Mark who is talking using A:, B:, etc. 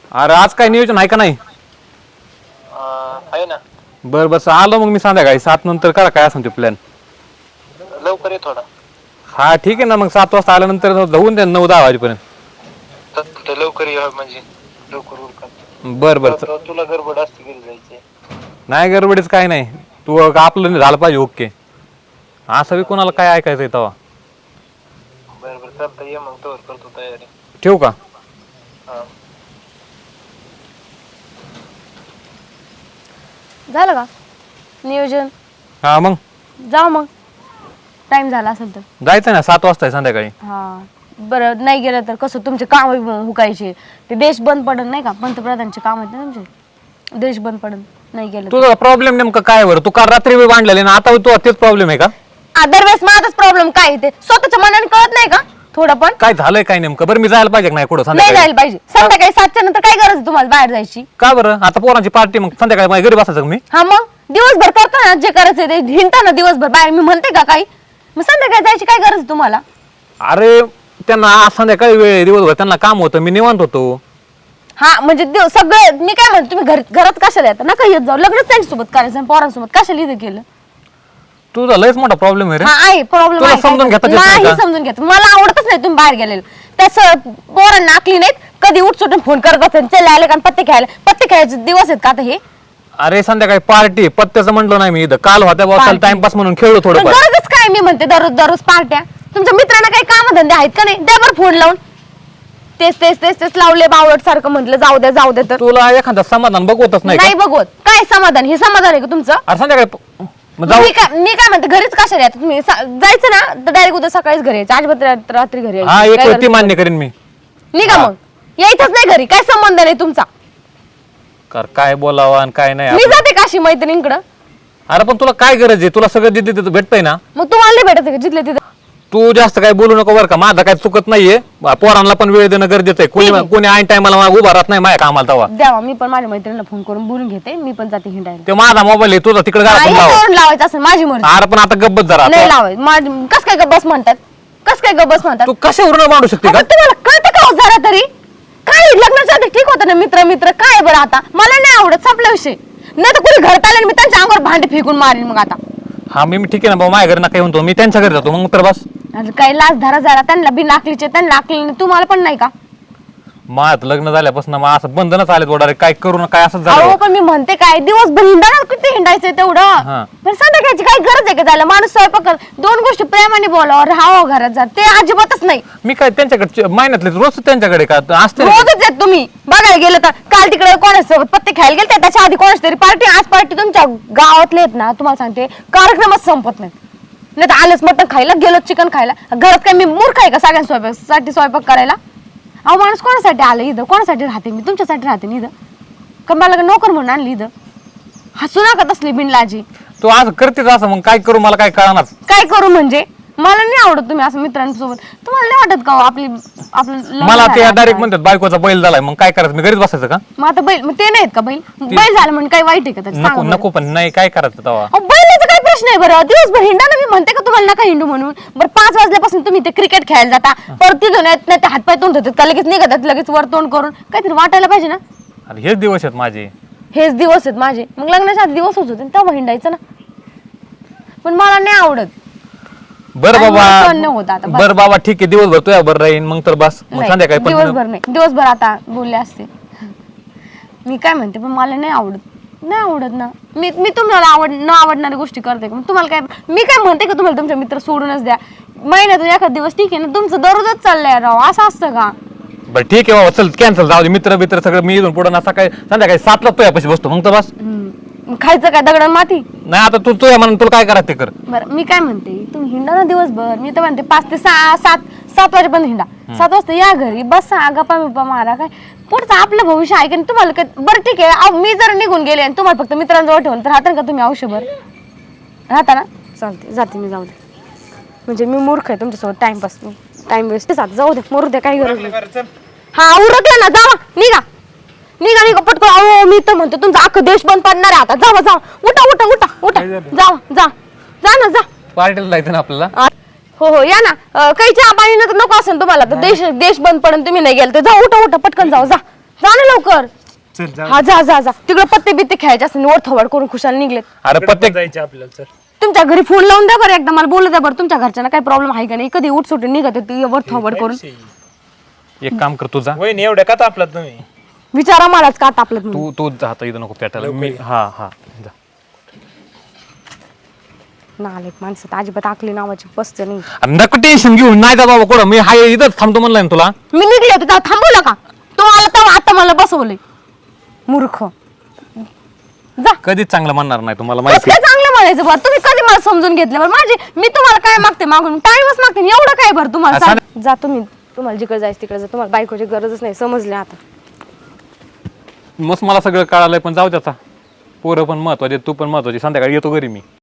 A: अरे आज काय नियोजन आहे का नाही?
B: आहे ना.
A: बर बस आलो मग मी संध्याकाळी 7 नंतर करा काय असेल ते प्लॅन.
B: लवकर ये थोडा.
A: हा ठीक आहे ना मग 7 वाजता आल्यानंतर जाऊन द्या 9-10 वाजेपर्यंत.
B: तर लवकर ये म्हणजे लवकर उरका.
A: बर बर
B: तुला गडबड असते घरी जायचे.
A: नाही गडबडीच काय नाही. तू आपलं झालं पाहिजे ओके. असं बी कोणाला काय ऐकायचंय तेव्हा.
B: बरं चालतं ये मग तोवर करतो तयारी.
A: ठेवू का?
B: हा.
C: झालं का नियोजन?
A: हा मग
C: जाऊ मग टाइम झाला असेल तर.
A: जायचं ना 7 वाजता संध्याकाळी.
C: हा बरं नाही गेलं तर कसं तुमचे काम हुकायचे ते देश बंद पडन नाही का पंतप्रधानचे काम आहेत ना तुमचे देश बंद पडन नाही गेलं.
A: तुझा प्रॉब्लेम नेमका काय बरं? तू काल रात्री बी बांधलेले ना आता तू तेच प्रॉब्लेम आहे का?
C: दरवेळेस माझाच प्रॉब्लेम काय ते स्वतःच्या मनाने कळत नाही का थोडं पण?
A: काय झालंय काय नेमकं? बरं मी जायला पाहिजे नाही कुठं
C: नाही
A: संध्याकाळी?
C: जायला पाहिजे संध्याकाळी 7च्या नंतर काय गरज आहे तुम्हाला बाहेर जायची?
A: का बरं? आता पोरांची पार्टी मग संध्याकाळी माझ्या घरी बसायचं का मी?
C: हा मग दिवसभर करतो ना जे करायचं ते हिंडता ना दिवसभर बाहेर मी म्हणते का काही मग संध्याकाळी जायची काय गरज आहे तुम्हाला?
A: अरे त्यांना आज संध्याकाळी वेळ दिवसभर त्यांना काम होतं मी निवांत होतो.
C: हा म्हणजे सगळे मी काय म्हणतो तुम्ही घरात कशाला येता नका येत जाऊ लग्नच त्यांच्यासोबत करायचं आणि पोरांसोबत कशाला इथं केलं?
A: तुझा लयच मोठा प्रॉब्लेम आहे रे.
C: हा आहे प्रॉब्लेम
A: तुला समजून घेता येत नाही
C: नाही
A: का?
C: समजून घेत मला आवडतच नाही तुम्ही बाहेर गेलेलं त्याच पोरांना आखली नाहीत कधी उठसूटून फोन करत बसतात चल आले का पत्ते खेळायचे दिवस आहेत का आता हे?
A: अरे संध्याकाळी पार्टी पत्त्याचं म्हटलं नाही मी इथं काल होत्या बॉसल टाइमपास म्हणून खेळलो
C: पण
A: थोडं.
C: गरजच काय मी म्हणते दररोज पार्ट्या तुमच्या मित्रांना काही काम धंदे आहेत का नाही द्या बरं फोन लावून तेच लावले बावळट सारखं म्हटलं जाऊ द्या तर
A: तुला एखादा समाधान बघवतच नाही
C: नाही
A: का?
C: बघवत काय समाधान हे समाधान आहे का तुमचं?
A: अरे संध्याकाळी मग जाऊ.
C: मी काय म्हणते घरीच कशाला येतात तुम्ही जायचं ना तर डायरेक्ट उद्या सकाळीच घरी यायचं अजिबात रात्री घरी
A: हा
C: यायचं.
A: एक
C: काय
A: वेळ ती
C: गरज
A: मान्य करीन मी.
C: निघा मग यायचंच नाही घरी काय संबंध नाही तुमचा.
A: कर काय बोलावं आणि काय नाही
C: मी
A: आपण.
C: जाते काशी मैत्रिणीकडं.
A: अरे पण तुला काय गरज आहे? तुला सगळं जिथे तिथं भेटतंय ना.
C: मग तुम्हाला नाही भेटत का जिथले तिथे?
A: तू जास्त काय बोलू नको बरं का. माझं काय चुकत नाहीये. पोरांना पण वेळ देणं गरजेचं आहे. कोणी ऐन टायमाला उभा राहत नाही माझ्या कामाला तेव्हा.
C: द्यावा मी पण माझ्या मैत्रिणीला फोन करून बोलून घेते मी पण जाते हिंडायला.
A: ते माझा मोबाईल आहे तुझा तिकडे
C: नाही,
A: लाव.
C: याच्यावरून लावायचं असेल माझी मर्जी.
A: अरे पण आता गब्बत जरा
C: नाही लावायचं कस काय गबस म्हणतात
A: तू कशावरून मांडू शकते का?
C: अगं, तुम्हाला कळतं का हो जरा तरी काय लग्नाच्या आधी ठीक होतं ना मित्र काय बरं आता मला नाही आवडत संपला विषय नाही तर कुणी घरात आले मी त्यांच्या अंगावर भांडे फेकून मारीन मग आता.
A: हा मी ठीक आहे ना भाऊ माझ्या घरी ना काही म्हणतो मी त्यांच्या घरी जातो मग तर बस.
C: अरे काही लाच धरा जरा त्यांना बिन आकलीचे त्यांना आकली नाही तुम्हाला पण नाही का?
A: माझं लग्न झाल्यापासून मग असं बंधनच आले थोडा काय करू ना काय असं
C: अहो
A: झालं.
C: पण मी म्हणते काय दिवसभर हिंडा किती हिंडायचंय
A: हा.
C: तेवढं पण संध्याकाळची काय गरज आहे का झालं माणूस स्वयंपाक कर 2 गोष्टी प्रेमाने बोलावं राहावं घरात जा ते अजिबातच नाही.
A: मी काय त्यांच्याकडे महिन्यातले रोज त्यांच्याकडे का असते रे.
C: रोजच येत तुम्ही बघायला गेलं तर काल तिकडे कोणासोबत पत्ते खेळायला गेले त्याच्या आधी कोणाच तरी पार्टी आज पार्टी तुमच्या गावातले आहेत ना तुम्हाला सांगते कार्यक्रमच संपत नाही तर आलंच मटण खायला गेलो चिकन खायला घरात काय मी मूर्ख आहे का सगळ्या स्वयंपाक करायला? अहो माणूस कोणासाठी आलं इथं कोणासाठी राहते मी तुमच्यासाठी राहते ना इथं का मला नोकर म्हणून आणली इथं हसू नका तसली बिनलाजी.
A: तू असं करतेच असं मग काय करू मला काय कळणार.
C: काय करू म्हणजे मला नाही आवडत तुम्ही असं मित्रांसोबत तुम्हाला नाही वाटत का हो आपलं लग्न
A: मला ते
C: झालं
A: डायरेक्ट
C: आता?
A: म्हणतात बायकोचा बैल झालाय मग काय करायचं मी घरीच बसायचं का?
C: मग आता बैल मग ते नाहीत का बैल झालं म्हणजे काही वाईट आहे का त्याचं?
A: नको
C: सांगा बरं.
A: नको पण नाही काय करायचं तेव्हा.
C: अहो, बैलाचा काय प्रश्न आहे बरं दिवसभर हिंडा ना मी म्हणते का तुम्हाला नका हिंडू म्हणून बरं 5 वाजल्यापासून तुम्ही ते क्रिकेट खेळायला जाता परत तिथून येत नाही ते हातपाय तोंड होतात का लगेच निघतात लगेच वर तोंड करून काहीतरी वाटायला पाहिजे ना.
A: अरे हेच दिवस आहेत माझे.
C: हेच दिवस आहेत माझे मग लग्नाच्या आधी दिवस होते तेव्हा हिंडायचं ना पण मला नाही आवडत.
A: बरं
C: आणि मला सहन नाही
A: बाबा
C: होत आता, बस.
A: बरं बाबा ठीक आहे दिवसभर तुझ्या बरं राहीन मग तर बस मग
C: नाही,
A: संध्याकाळी पण
C: दिवसभर नाही दिवसभर आता बोलले असते मी काय म्हणते पण मला नाही आवडत ना मी तुम्हाला न आवडणारी गोष्टी करते का तुम्हाला काय मी काय म्हणते का तुम्हाला तुमचे मित्र सोडूनच द्या महिन्यातून एखाद दिवस ठीक आहे ना तुमचं दररोजच चाललंय राव असं असतं का?
A: बरं ठीक आहे बाबा चल कॅन्सल जाऊ दे मित्र सगळं मी इथून पुढे ना सकाळी संध्याकाळी 7ला तुझ्यापाशी बसतो मग तर बस.
C: खायचं काय दगड माती?
A: नाही आता तू तुझ्या म्हणून तुला काय करायचं ते कर.
C: बरं मी काय म्हणते तुम्ही हिंडा ना दिवसभर मी तर म्हणते 5 ते 7 वाजेपर्यंत हिंडा 7 वाजता या घरी बसा गप्पा बिप्पा मारा काय पुढचं आपलं भविष्य आहे की तुम्हाला काय बरं ठीक आहे मी जर निघून गेले आणि तुम्हाला फक्त मित्रांजवळ ठेवून तर राहता का तुम्ही आयुष्यभर राहता ना? चालते जाते मी जाऊ दे म्हणजे मी मूर्ख आहे तुमच्यासोबत टाइम वेस्ट जाऊ दे मरू दे काही गरज नाही. हा उरकले ना जावा निघा पटकन. अहो मी तर म्हणतो तुमचा अख्खा देश बंद पडणार आहे आता जावा उठा जा ना
A: पार्टीला जायचं ना आपल्याला.
C: हो या ना काही चहा पाणी नको असेल तुम्हाला तर देश बंद पडून तुम्ही नाही गेल तर जा उठा पटकन जाऊ जा जा ना लवकर.
D: चल जा.
C: हा जा जा जा तिकडे पत्ते बित्ते खेळायचे असते वर थोबाड करून खुशाल निघलेत.
A: अरे प्रत्येक
D: जायचं आपल्याला. चल
C: तुमच्या घरी फोन लावून द्या बरं एकदा मला बोलू द्या बरं तुमच्या घरच्यांना काही प्रॉब्लेम आहे का नाही. कधी उठ सुटून निघत होती वर थोबाड करून.
A: एक काम कर तुझा
D: वहिनी एवढ्या का तापलात तुम्ही?
C: विचारा मलाच का तापलं तुम्ही.
A: तू जाता इथं नको पेटायला मी हा हा जा.
C: नालेक माणसं अजिबात आकली नावाची पसते नाही.
A: अरे नको टेन्शन घेऊन नाही का बाबा कोण मी हाय इथंच थांबतो म्हणलाय ना तुला.
C: मी निघले होते तेव्हा थांबवलं का तुम्हाला तेव्हा आता मला बसवलंय मूर्ख. जा
A: कधीच चांगलं म्हणणार नाही तुम्हाला
C: कसं
A: माहिती
C: काय चांगलं म्हणायचं बरं तुम्ही कधी मला समजून घेतलं बरं माझी मी तुम्हाला काय मागते मागून टाइमच मागते एवढं काय बरं तुम्हाला
A: असं
C: सांग. जा तुम्ही तुम्हाला जिकडे जायचं तिकडे जा तुम्हाला बायकोची गरजच नाही समजले आता.
A: मस्त मला सगळं कळालंय पण जाऊ द्या आता. पोरं पण महत्वाचे तू पण महत्वाची संध्याकाळी येतो घरी मी.